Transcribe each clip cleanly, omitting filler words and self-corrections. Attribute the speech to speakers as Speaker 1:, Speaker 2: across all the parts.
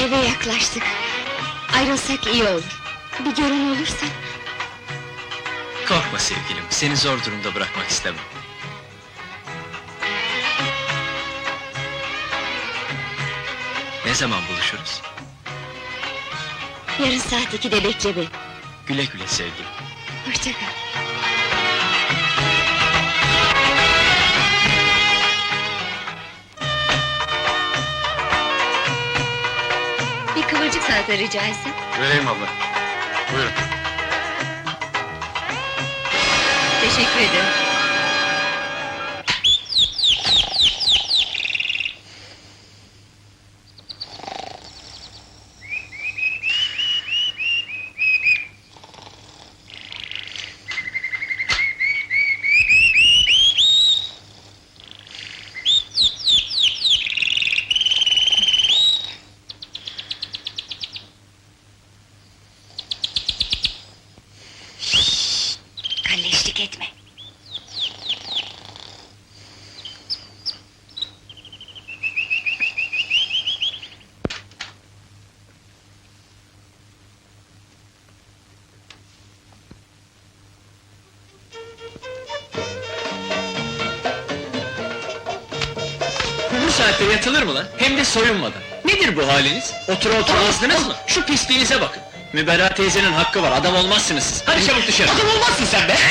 Speaker 1: Eve yaklaştık. Ayrılsak iyi olur. Bir gören olursa...
Speaker 2: Korkma sevgilim, seni zor durumda bırakmak istemem. Ne zaman buluşuruz?
Speaker 1: Yarın saat 2'de bekle beni.
Speaker 2: Güle güle sevgilim.
Speaker 1: Hoşça kal. Bir kıvırcık salata rica etsem.
Speaker 3: Vereyim abla. Buyurun.
Speaker 1: Teşekkür ederim. Kalleşlik etme.
Speaker 2: Bu saatte yatılır mı lan? Hem de soyunmadan. Nedir bu haliniz? Otur azdınız mı? Şu pisliğinize bakın. Müberra teyzenin hakkı var, adam olmazsınız siz. Hadi çabuk dışarı!
Speaker 3: Adam olmazsın sen be!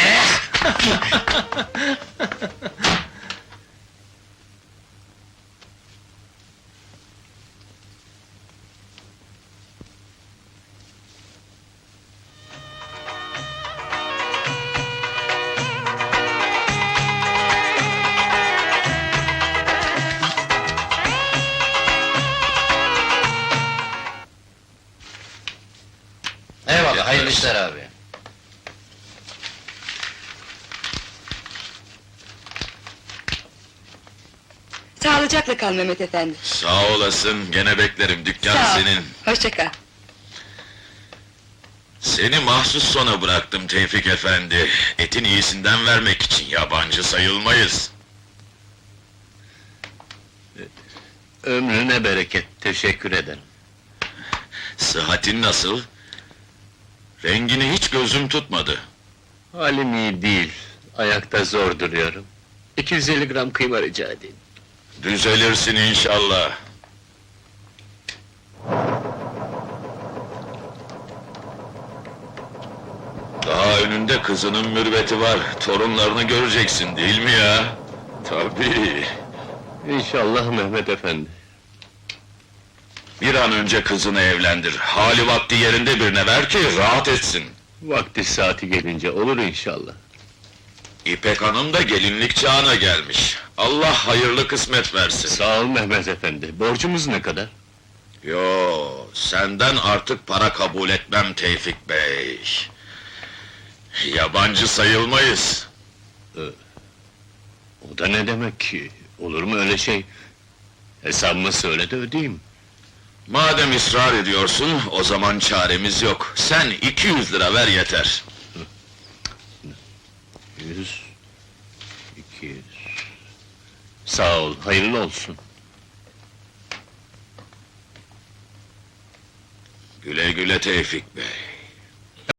Speaker 3: Eyvallah, hayırlı işler abi.
Speaker 1: Sağlıcakla kal Mehmet efendi.
Speaker 4: Sağ olasın, gene beklerim, dükkan
Speaker 1: Sağ ol.
Speaker 4: senin.
Speaker 1: Hoşça kal.
Speaker 4: Seni mahsus sona bıraktım Tevfik efendi. Etin iyisinden vermek için yabancı sayılmayız.
Speaker 3: Ömrüne bereket, teşekkür ederim.
Speaker 4: Sıhhatin nasıl? Rengini hiç gözüm tutmadı.
Speaker 3: Halim iyi değil, ayakta zor duruyorum. 250 gram kıyma rica edeyim.
Speaker 4: Düzelirsin inşallah. Daha önünde kızının mürveti var, torunlarını göreceksin değil mi ya? Tabii.
Speaker 3: İnşallah Mehmet efendi.
Speaker 4: Bir an önce kızını evlendir, hali vakti yerinde birine ver ki rahat etsin.
Speaker 3: Vakti saati gelince olur inşallah.
Speaker 4: İpek Hanım da gelinlik çağına gelmiş. Allah hayırlı kısmet versin.
Speaker 3: Sağ ol Mehmet efendi, borcumuz ne kadar?
Speaker 4: Yo, senden artık para kabul etmem Tevfik Bey. Yabancı sayılmayız.
Speaker 3: O da ne demek ki? Olur mu öyle şey? Hesabımı söyle de ödeyeyim.
Speaker 4: Madem ısrar ediyorsun, o zaman çaremiz yok. Sen 200 lira ver yeter.
Speaker 3: 100, 200... Sağ ol, hayırlı olsun.
Speaker 4: Güle güle Tevfik Bey.